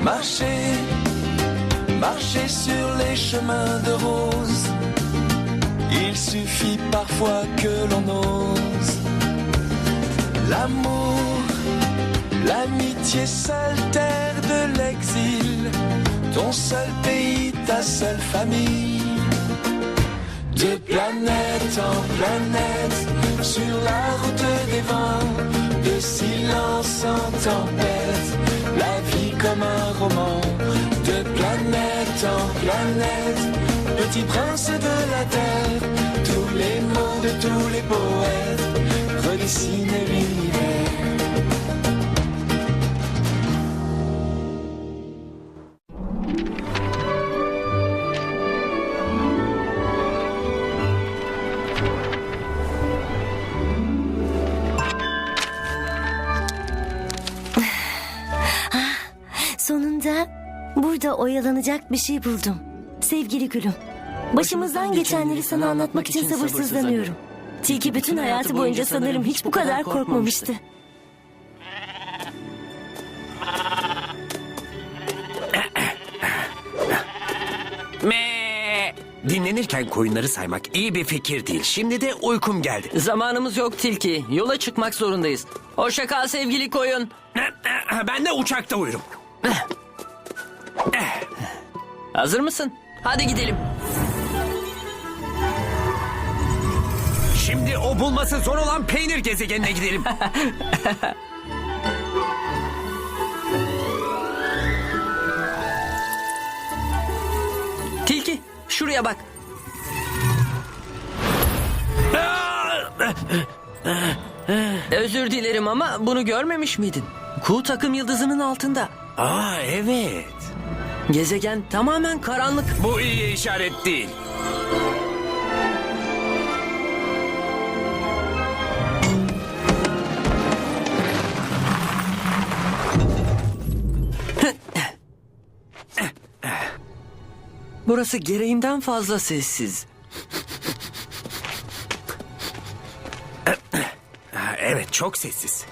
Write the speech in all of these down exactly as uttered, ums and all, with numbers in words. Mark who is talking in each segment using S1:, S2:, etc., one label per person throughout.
S1: Marcher, marcher sur les chemins de rose. Il suffit parfois que l'on ose. L'amour, l'amitié, seule terre de l'exil. Ton seul pays, ta seule famille. De planète en planète, sur la route des vents, de silence en tempête, la vie comme un roman. De planète en planète, petit prince de la terre, tous les mots de tous les poètes redessinent l'univers.
S2: Sonunda burada oyalanacak bir şey buldum. Sevgili gülüm, başımızdan geçenleri sana anlatmak için sabırsızlanıyorum. Tilki bütün hayatı boyunca sanırım hiç bu kadar korkmamıştı.
S3: Me. Dinlenirken koyunları saymak iyi bir fikir değil. Şimdi de uykum geldi.
S4: Zamanımız yok Tilki. Yola çıkmak zorundayız. Hoşça kal sevgili koyun.
S3: Ben de uçakta uyurum.
S4: Hazır mısın? Hadi gidelim.
S3: Şimdi o bulması zor olan peynir gezegenine gidelim.
S4: Tilki, şuraya bak. Özür dilerim ama bunu görmemiş miydin? Kuğu takım yıldızının altında.
S3: Aa evet.
S4: Gezegen tamamen karanlık.
S3: Bu iyi işaret değil.
S4: Burası gereğinden fazla sessiz.
S3: Evet, çok sessiz.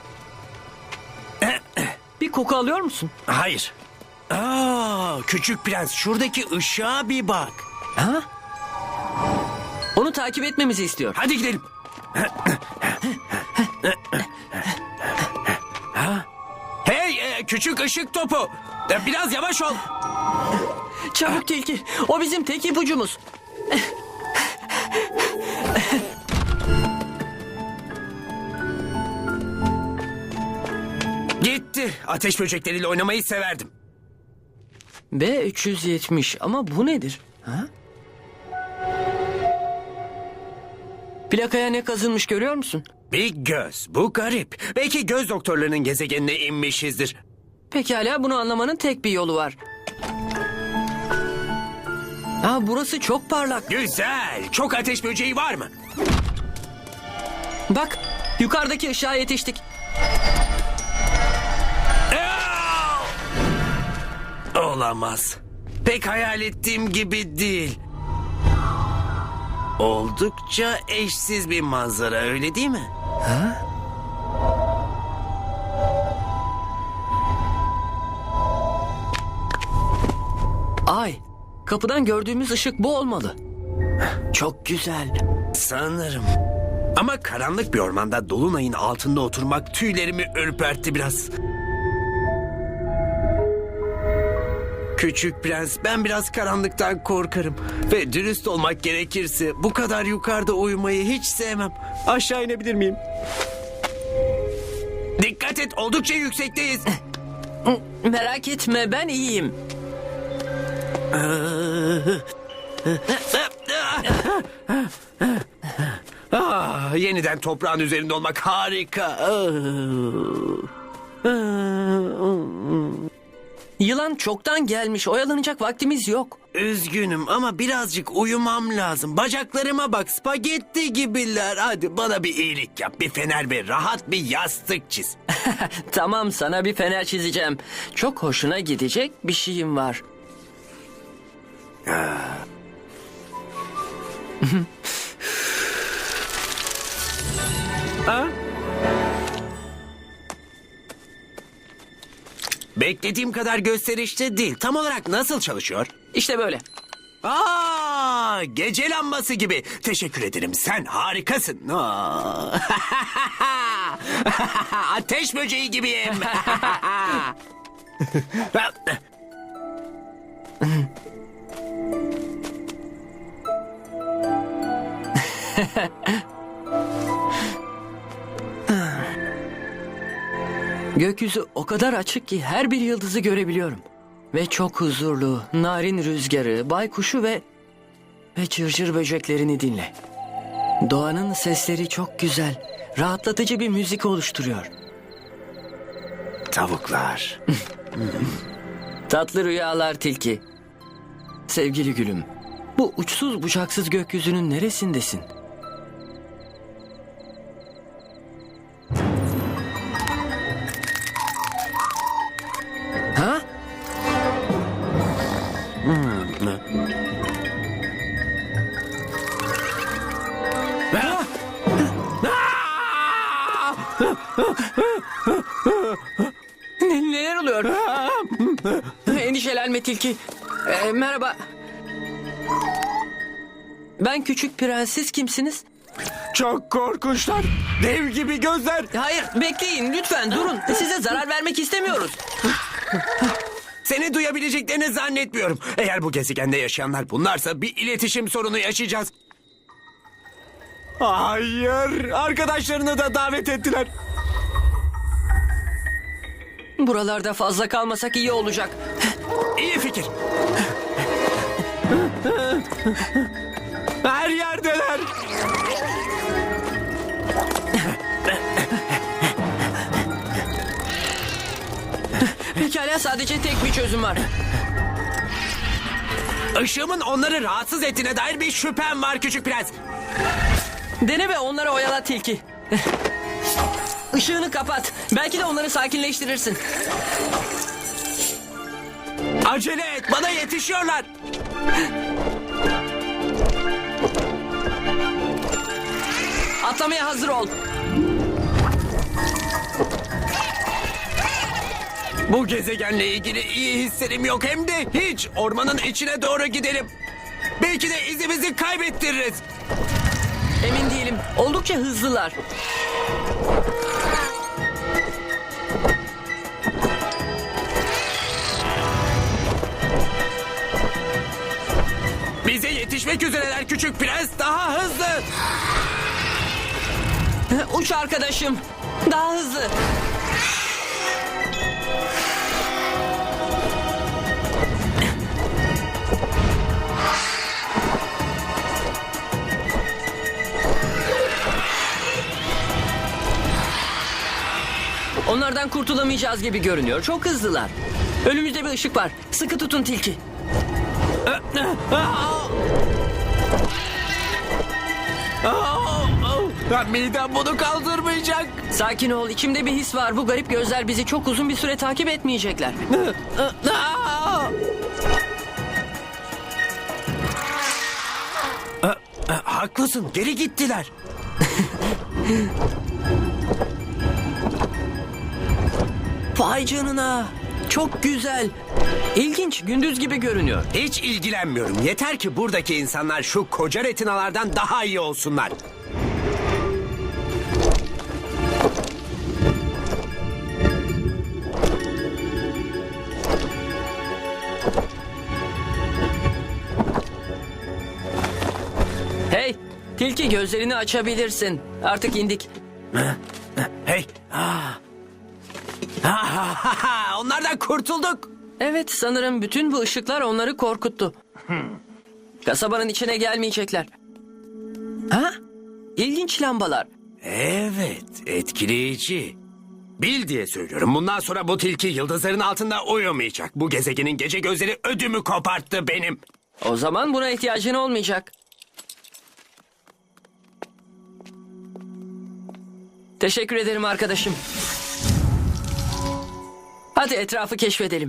S4: Bir koku alıyor musun?
S3: Hayır. Aa, küçük prens, şuradaki ışığa bir bak.
S4: Ha? Onu takip etmemizi istiyor.
S3: Hadi gidelim. Hey, e, küçük ışık topu. E, Biraz yavaş ol.
S4: Çabuk Tilki. O bizim tek ipucumuz.
S3: Gitti. Ateş böcekleriyle oynamayı severdim.
S4: B üç yüz yetmiş ama bu nedir? Ha? Plakaya ne kazınmış görüyor musun?
S3: Bir göz. Bu garip. Belki göz doktorlarının gezegenine inmişizdir.
S4: Pekala, bunu anlamanın tek bir yolu var. Ha, burası çok parlak.
S3: Güzel. Çok ateş böceği var mı?
S4: Bak, yukarıdaki ışığa yetiştik.
S3: Aa! Olamaz. Pek hayal ettiğim gibi değil. Oldukça eşsiz bir manzara, öyle değil mi? Ha?
S4: Ay, kapıdan gördüğümüz ışık bu olmalı. Çok güzel.
S3: Sanırım. Ama karanlık bir ormanda dolunayın altında oturmak tüylerimi ürpertti biraz. Küçük prens, ben biraz karanlıktan korkarım. Ve dürüst olmak gerekirse bu kadar yukarıda uyumayı hiç sevmem. Aşağı inebilir miyim? Dikkat et, oldukça yüksekteyiz.
S4: Merak etme, ben iyiyim.
S3: Ah, yeniden toprağın üzerinde olmak harika.
S4: Yılan çoktan gelmiş, oyalanacak vaktimiz yok.
S3: Üzgünüm ama birazcık uyumam lazım. Bacaklarıma bak, spagetti gibiler. Hadi bana bir iyilik yap. Bir fener ve rahat bir yastık çiz.
S4: Tamam, sana bir fener çizeceğim. Çok hoşuna gidecek bir şeyim var.
S3: Ha? Beklediğim kadar gösterişli değil. Tam olarak nasıl çalışıyor?
S4: İşte böyle.
S3: Aa, gece lambası gibi. Teşekkür ederim. Sen harikasın. Aa. Ateş böceği gibiyim.
S4: Gökyüzü o kadar açık ki her bir yıldızı görebiliyorum. Ve çok huzurlu, narin rüzgarı, baykuşu ve... ve cırcır böceklerini dinle. Doğanın sesleri çok güzel, rahatlatıcı bir müzik oluşturuyor.
S3: Tavuklar.
S4: Tatlı rüyalar tilki. Sevgili gülüm, bu uçsuz bucaksız gökyüzünün neresindesin? Ha? Ne, neler oluyor? Endişelenme tilki. Ee, merhaba. Ben küçük prens, siz kimsiniz?
S3: Çok korkunçlar. Dev gibi gözler.
S4: Hayır, bekleyin lütfen durun. Size zarar vermek istemiyoruz.
S3: Seni duyabileceklerini zannetmiyorum. Eğer bu gezegende yaşayanlar bunlarsa bir iletişim sorunu yaşayacağız. Hayır. Arkadaşlarını da davet ettiler.
S4: Buralarda fazla kalmasak iyi olacak.
S3: İyi fikir. Her yerdeler.
S4: Pekala, sadece tek bir çözüm var.
S3: Işığımın onları rahatsız ettiğine dair bir şüphem var küçük prens.
S4: Dene ve onları oyala tilki. Işığını kapat. Belki de onları sakinleştirirsin.
S3: Acele et, bana yetişiyorlar.
S4: Atlamaya hazır ol.
S3: Bu gezegenle ilgili iyi hislerim yok, hem de hiç. Ormanın içine doğru gidelim. Belki de izimizi kaybettiririz.
S4: Emin değilim. Oldukça hızlılar.
S3: Bize yetişmek üzereler küçük prens, daha hızlı.
S4: Uç arkadaşım. Daha hızlı. Onlardan kurtulamayacağız gibi görünüyor. Çok hızlılar. Önümüzde bir ışık var. Sıkı tutun tilki.
S3: Ben midem bunu kaldırmayacak.
S4: Sakin ol. İçimde bir his var. Bu garip gözler bizi çok uzun bir süre takip etmeyecekler.
S3: Haklısın, geri gittiler.
S4: Vay canına. Çok güzel. İlginç. Gündüz gibi görünüyor.
S3: Hiç ilgilenmiyorum. Yeter ki buradaki insanlar şu koca retinalardan daha iyi olsunlar.
S4: Hey, tilki gözlerini açabilirsin. Artık indik.
S3: Hey. Ah. Ah, onlardan kurtulduk.
S4: Evet, sanırım bütün bu ışıklar onları korkuttu. Kasabanın içine gelmeyecekler. Ha? İlginç lambalar.
S3: Evet, etkileyici. Bil diye söylüyorum. Bundan sonra bu tilki yıldızların altında uyumayacak. Bu gezegenin gece gözleri ödümü koparttı benim.
S4: O zaman buna ihtiyacın olmayacak. Teşekkür ederim arkadaşım. Hadi etrafı keşfedelim.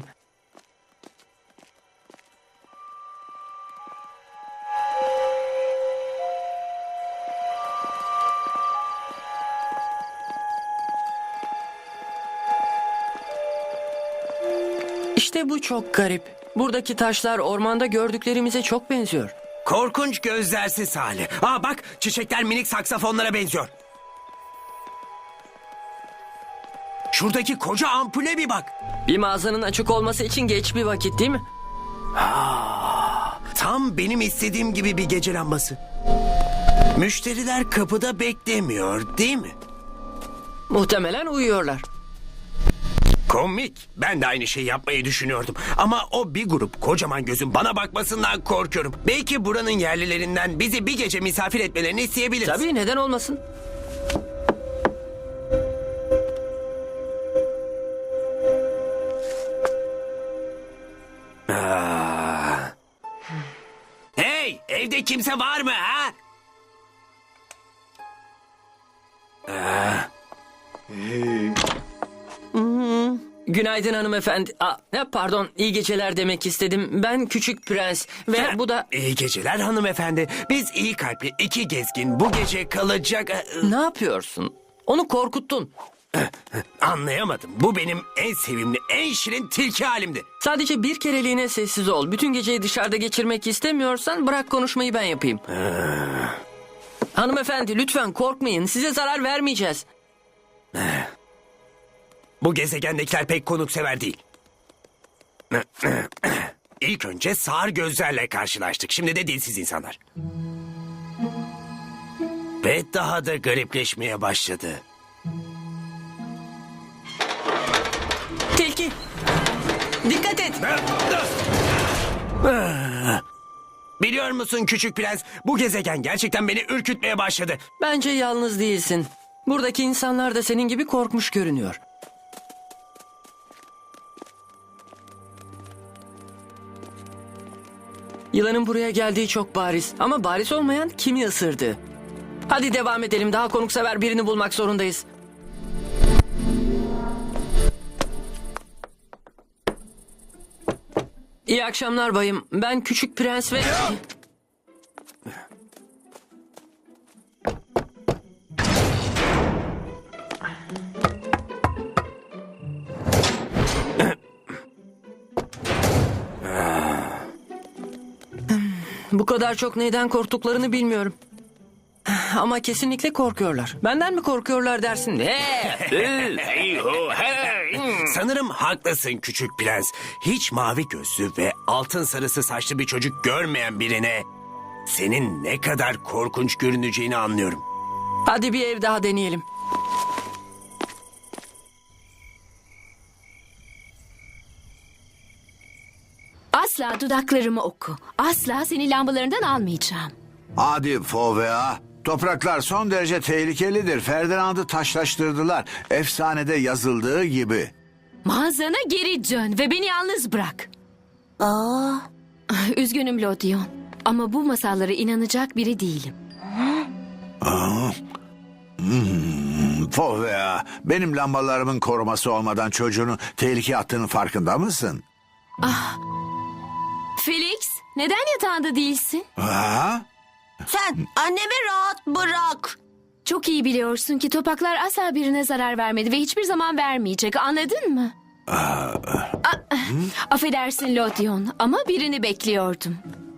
S4: İşte bu çok garip. Buradaki taşlar ormanda gördüklerimize çok benziyor.
S3: Korkunç gözlersiz hali. Aa bak, çiçekler minik saksafonlara benziyor. Şuradaki koca ampule bir bak.
S4: Bir mağazanın açık olması için geç bir vakit değil mi?
S3: Tam benim istediğim gibi bir gece lambası. Müşteriler kapıda beklemiyor, değil mi?
S4: Muhtemelen uyuyorlar.
S3: Komik. Ben de aynı şeyi yapmayı düşünüyordum. Ama o bir grup kocaman gözün bana bakmasından korkuyorum. Belki buranın yerlilerinden bizi bir gece misafir etmelerini isteyebiliriz.
S4: Tabii, neden olmasın?
S3: Hey, evde kimse var mı ha?
S4: Günaydın hanımefendi. Aa, ne, pardon, iyi geceler demek istedim. Ben Küçük Prens ve bu da...
S3: İyi geceler hanımefendi. Biz iyi kalpli iki gezgin bu gece kalacak...
S4: Ne yapıyorsun? Onu korkuttun.
S3: Anlayamadım. Bu benim en sevimli, en şirin tilki halimdi.
S4: Sadece bir kereliğine sessiz ol. Bütün geceyi dışarıda geçirmek istemiyorsan bırak konuşmayı ben yapayım. Hanımefendi lütfen korkmayın. Size zarar vermeyeceğiz.
S3: Bu gezegendekiler pek konuksever değil. İlk önce sağır gözlerle karşılaştık. Şimdi de dilsiz insanlar. Ve daha da garipleşmeye başladı.
S4: Tilki. Dikkat et.
S3: Biliyor musun küçük prens? Bu gezegen gerçekten beni ürkütmeye başladı.
S4: Bence yalnız değilsin. Buradaki insanlar da senin gibi korkmuş görünüyor. Yılanın buraya geldiği çok bariz. Ama bariz olmayan kimi ısırdı? Hadi devam edelim. Daha konuksever birini bulmak zorundayız. İyi akşamlar bayım. Ben Küçük Prens ve... Bu kadar çok neyden korktuklarını bilmiyorum. Ama kesinlikle korkuyorlar. Benden mi korkuyorlar dersin? Hey!
S3: Sanırım haklısın küçük prens. Hiç mavi gözlü ve altın sarısı saçlı bir çocuk görmeyen birine... senin ne kadar korkunç görüneceğini anlıyorum.
S4: Hadi bir ev daha deneyelim.
S5: Asla dudaklarımı oku. Asla seni lambalarından almayacağım.
S6: Hadi Fovea. Topraklar son derece tehlikelidir. Ferdinand'ı taşlaştırdılar. Efsanede yazıldığı gibi.
S5: Mağazana geri dön ve beni yalnız bırak.
S2: Aa,
S5: Üzgünüm Lodion. Ama bu masallara inanacak biri değilim.
S6: Fovea, benim lambalarımın koruması olmadan çocuğunu tehlikeye attığının farkında mısın?
S5: Felix, neden yatağında değilsin?
S6: Ha?
S2: sen annemi rahat bırak.
S5: Çok iyi biliyorsun ki topaklar asla birine zarar vermedi ve hiçbir zaman vermeyecek. Anladın mı? A- Affedersin Lodion ama birini bekliyordum.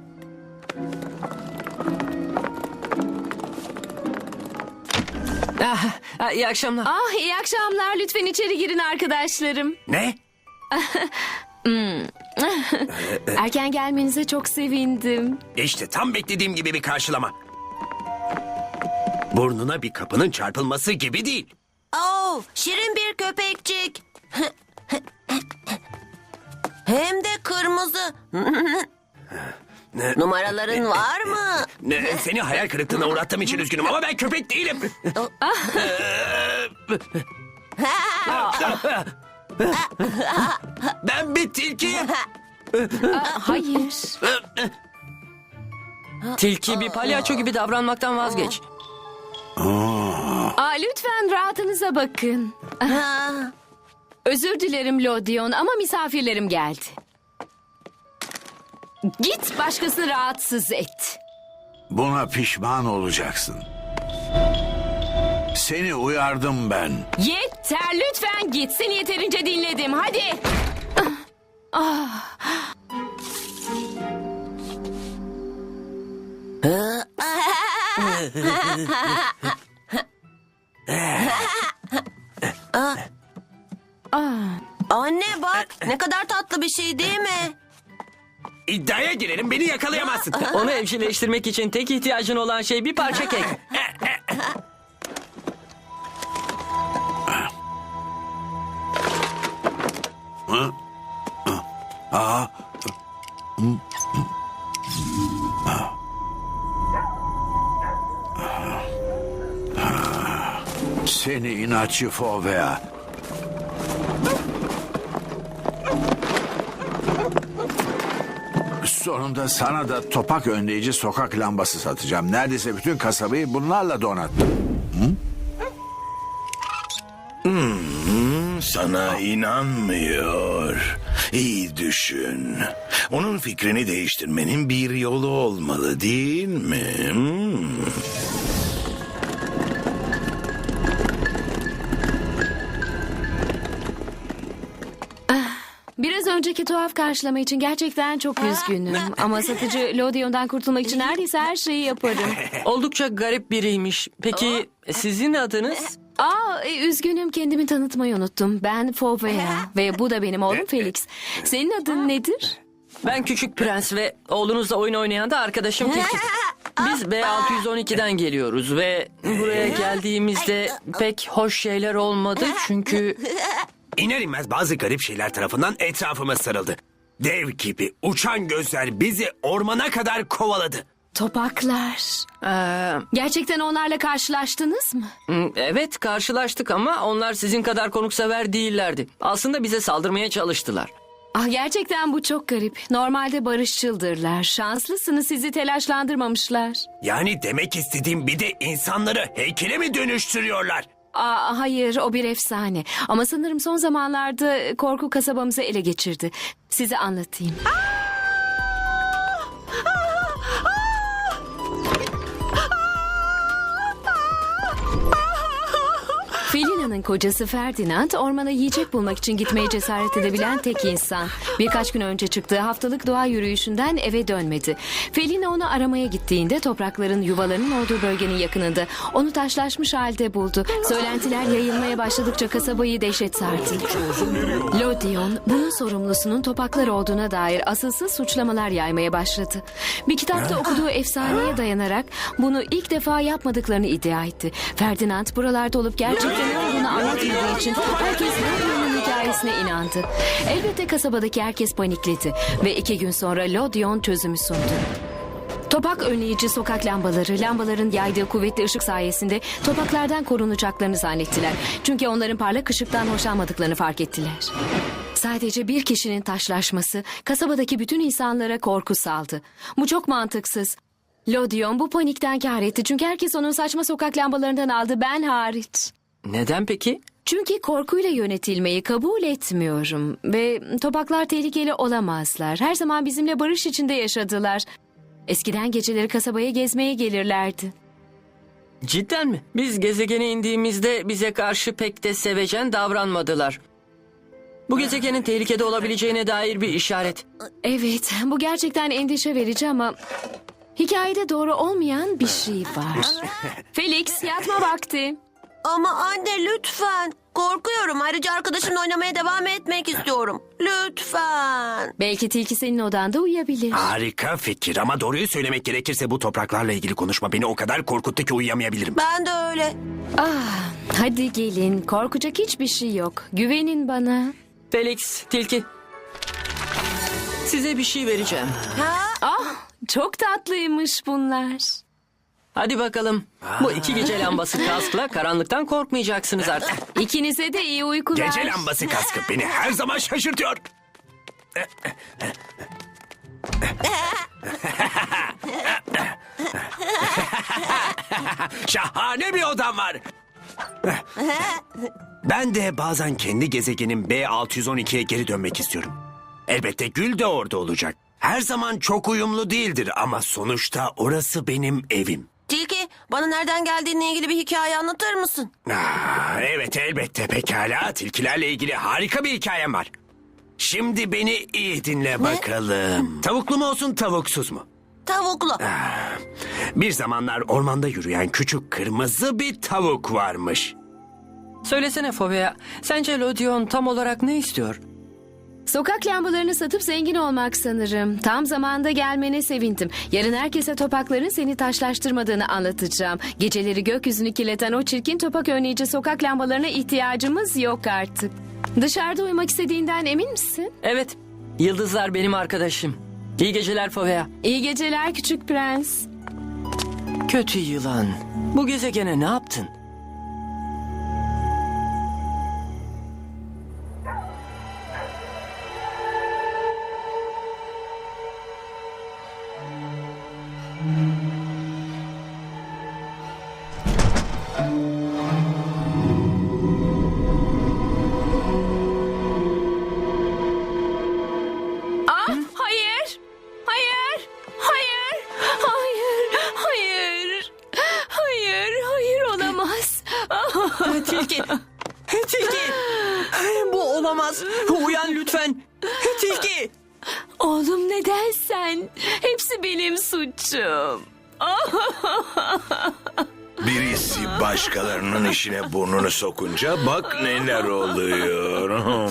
S4: Ah, ah, iyi akşamlar.
S5: Ah iyi akşamlar. Lütfen içeri girin arkadaşlarım.
S3: Ne?
S5: Erken gelmenize çok sevindim.
S3: İşte tam beklediğim gibi bir karşılama. Burnuna bir kapının çarpılması gibi değil.
S2: Oo, şirin bir köpekçik. Hem de kırmızı. Numaraların var mı?
S3: Ne, seni hayal kırıklığına uğrattığım için üzgünüm ama ben köpek değilim. Ben bir tilkiyim.
S5: Hayır.
S4: Tilki bir palyaço gibi davranmaktan vazgeç.
S5: Aa, lütfen rahatınıza bakın.
S2: Ha,
S5: Özür dilerim Lodion ama misafirlerim geldi. Git başkasını rahatsız et.
S6: Buna pişman olacaksın. Seni uyardım ben.
S5: Yeter lütfen git. Seni yeterince dinledim. Hadi.
S7: Anne bak ne kadar tatlı bir şey değil mi?
S3: İddiaya girelim, beni yakalayamazsın.
S4: Onu evcilleştirmek için tek ihtiyacın olan şey bir parça kek.
S6: Aa, seni inatçı Fovea. Sonunda sana da topak önleyici sokak lambası satacağım. Neredeyse bütün kasabayı bunlarla donattım.
S8: Sana inanmıyor. İyi düşün. Onun fikrini değiştirmenin bir yolu olmalı değil mi? Hmm.
S5: Biraz önceki tuhaf karşılama için gerçekten çok üzgünüm. Ama satıcı Lodion'dan kurtulmak için neredeyse her şeyi yaparım.
S4: Oldukça garip biriymiş. Peki sizin adınız?
S5: Aa, e, üzgünüm kendimi tanıtmayı unuttum. Ben Fovea ve bu da benim oğlum Felix. Senin adın nedir?
S4: Ben Küçük Prens ve oğlunuzla oyun oynayan da arkadaşım Tilki. Biz B altı yüz on iki'den geliyoruz ve buraya geldiğimizde pek hoş şeyler olmadı çünkü...
S3: İner inmez bazı garip şeyler tarafından etrafıma sarıldı. Dev gibi uçan gözler bizi ormana kadar kovaladı.
S5: Topaklar.
S4: Ee,
S5: Gerçekten onlarla karşılaştınız mı?
S4: evet karşılaştık ama onlar sizin kadar konuksever değillerdi. Aslında bize saldırmaya çalıştılar.
S5: Ah, gerçekten bu çok garip. Normalde barışçıldırlar. Şanslısınız sizi telaşlandırmamışlar.
S3: Yani demek istediğim bir de insanları heykele mi dönüştürüyorlar?
S5: Aa, hayır o bir efsane. Ama sanırım son zamanlarda korku kasabamızı ele geçirdi. Size anlatayım. Felina'nın kocası Ferdinand ormana yiyecek bulmak için gitmeye cesaret edebilen tek insan. Birkaç gün önce çıktığı haftalık doğa yürüyüşünden eve dönmedi. Felina onu aramaya gittiğinde toprakların yuvalarının olduğu bölgenin yakınında onu taşlaşmış halde buldu. Söylentiler yayılmaya başladıkça kasabayı dehşet sardı. Lodion bunun sorumlusunun topaklar olduğuna dair asılsız suçlamalar yaymaya başladı. Bir kitapta okuduğu efsaneye dayanarak bunu ilk defa yapmadıklarını iddia etti. Ferdinand buralarda olup gerçekten ne olduğunu anlatmadığı için herkes Lodion'un hikayesine inandı. Elbette kasabadaki herkes panikledi ve iki gün sonra Lodion çözümü sundu. Topak önleyici sokak lambaları, lambaların yaydığı kuvvetli ışık sayesinde topaklardan korunacaklarını zannettiler. Çünkü onların parlak ışıktan hoşlanmadıklarını fark ettiler. Sadece bir kişinin taşlaşması kasabadaki bütün insanlara korku saldı. Bu çok mantıksız. Lodion bu panikten kâr etti çünkü herkes onun saçma sokak lambalarından aldı, ben hariç.
S4: Neden peki?
S5: Çünkü korkuyla yönetilmeyi kabul etmiyorum ve topaklar tehlikeli olamazlar. Her zaman bizimle barış içinde yaşadılar. Eskiden geceleri kasabaya gezmeye gelirlerdi.
S4: Cidden mi? Biz gezegene indiğimizde bize karşı pek de sevecen davranmadılar. Bu gezegenin tehlikede olabileceğine dair bir işaret.
S5: Evet, bu gerçekten endişe verici ama hikayede doğru olmayan bir şey var. Felix, yatma vakti.
S7: Ama anne lütfen. Korkuyorum. Ayrıca arkadaşımla oynamaya devam etmek istiyorum. Lütfen.
S5: Belki tilki senin odanda uyuyabilir.
S3: Harika fikir ama doğruyu söylemek gerekirse bu topraklarla ilgili konuşma beni o kadar korkuttu ki uyuyamayabilirim.
S7: Ben de öyle.
S5: Ah, hadi gelin, korkacak hiçbir şey yok. Güvenin bana.
S4: Felix, Tilki. Size bir şey vereceğim.
S5: Ah, çok tatlıymış bunlar.
S4: Hadi bakalım. Bu iki gece lambası kaskla karanlıktan korkmayacaksınız artık.
S5: İkinize de iyi uykular.
S3: Gece lambası kaskı beni her zaman şaşırtıyor. Şahane bir odam var. Ben de bazen kendi gezegenim B altı yüz on iki'ye geri dönmek istiyorum. Elbette Gül de orada olacak. Her zaman çok uyumlu değildir ama sonuçta orası benim evim.
S7: Tilki, bana nereden geldiğinle ilgili bir hikaye anlatır mısın?
S3: Aa, evet elbette pekala. Tilkilerle ilgili harika bir hikayem var. Şimdi beni iyi dinle bakalım. Tavuklu mu olsun tavuksuz mu?
S7: Tavuklu.
S3: Bir zamanlar ormanda yürüyen küçük kırmızı bir tavuk varmış.
S4: Söylesene Fovea, sence Lodion tam olarak ne istiyor?
S5: Sokak lambalarını satıp zengin olmak sanırım. Tam zamanda gelmene sevindim. Yarın herkese topakların seni taşlaştırmadığını anlatacağım. Geceleri gökyüzünü kirleten o çirkin topak önleyici sokak lambalarına ihtiyacımız yok artık. Dışarıda uyumak istediğinden emin misin?
S4: Evet, yıldızlar benim arkadaşım. İyi geceler Fovea.
S5: İyi geceler küçük prens.
S4: Kötü yılan, bu gezegene ne yaptın?
S5: Hayır! Hayır! Hayır! Hayır! Hayır! Hayır! Hayır olamaz.
S4: Tilki! Tilki! Bu olamaz. Uyan lütfen. Tilki!
S5: Oğlum neden sen? Hepsi benim suçum.
S8: Birisi başkalarının işine burnunu sokunca bak neler oluyor.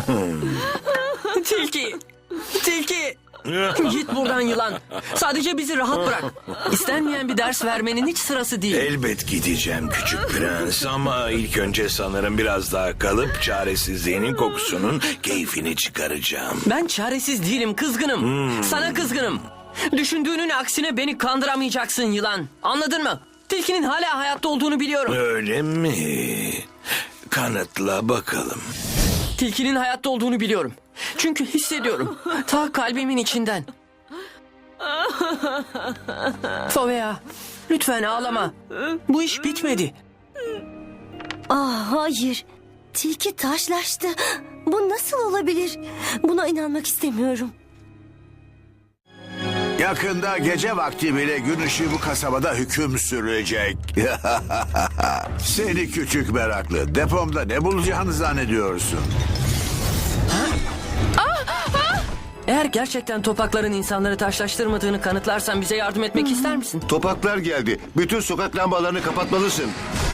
S4: Tilki! Tilki! Git buradan yılan. Sadece bizi rahat bırak. İstenmeyen bir ders vermenin hiç sırası değil.
S8: Elbet gideceğim küçük prens ama ilk önce sanırım biraz daha kalıp çaresizliğinin kokusunun keyfini çıkaracağım.
S4: Ben çaresiz değilim, kızgınım. Sana kızgınım. Düşündüğünün aksine beni kandıramayacaksın yılan. Anladın mı? Tilkinin hala hayatta olduğunu biliyorum.
S8: Öyle mi? Kanıtla bakalım.
S4: Tilkinin hayatta olduğunu biliyorum. Çünkü hissediyorum. Ta kalbimin içinden. Fovea, lütfen ağlama. Bu iş bitmedi.
S2: Ah hayır. Tilki taşlaştı. Bu nasıl olabilir? Buna inanmak istemiyorum.
S6: Yakında gece vakti bile gün ışığı bu kasabada hüküm sürecek. Seni küçük meraklı. Depomda ne bulacağını zannediyorsun?
S4: Eğer gerçekten topakların insanları taşlaştırmadığını kanıtlarsan bize yardım etmek ister misin?
S9: Topaklar geldi. Bütün sokak lambalarını kapatmalısın.